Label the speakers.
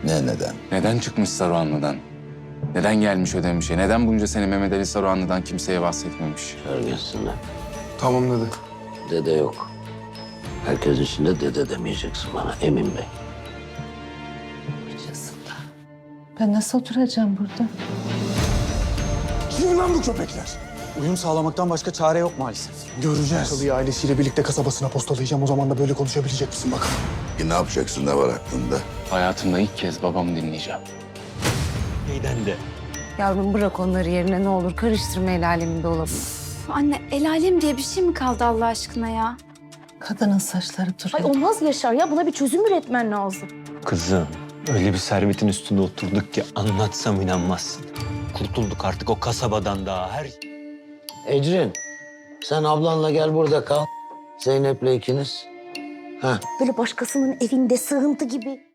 Speaker 1: Neden?
Speaker 2: Neden çıkmış Saruhanlı'dan? Neden gelmiş Ödemiş'e? Neden bunca sene Mehmet Ali Saruhanlı'dan kimseye bahsetmemiş?
Speaker 3: Görgünsünler.
Speaker 4: Tamam dedi.
Speaker 3: Dede yok. Herkes içinde dede demeyeceksin bana Emin Bey.
Speaker 5: Ben nasıl oturacağım burada?
Speaker 4: Kim lan bu köpekler?
Speaker 6: Uyum sağlamaktan başka çare yok maalesef.
Speaker 4: Göreceğiz. Salıyı ailesiyle birlikte kasabasına postalayacağım. O zaman da böyle konuşabilecek misin bakalım?
Speaker 1: Ne yapacaksın, ne var aklında?
Speaker 2: Hayatımda ilk kez babamı dinleyeceğim.
Speaker 6: Neyden de?
Speaker 5: Yavrum bırak onları yerine ne olur. Karıştırma el alemin dolabı.
Speaker 7: Anne el alem diye bir şey mi kaldı Allah aşkına ya?
Speaker 5: Kadının saçları
Speaker 7: Ay
Speaker 5: duruyor.
Speaker 7: olmaz Yaşar ya, buna bir çözüm üretmen lazım.
Speaker 6: Kızım, öyle bir servetin üstünde oturduk ki anlatsam inanmazsın. Kurtulduk artık o kasabadan daha her...
Speaker 3: Ecrin, sen ablanla gel burada kal. Zeynep'le ikiniz.
Speaker 7: Böyle başkasının evinde sığıntı gibi.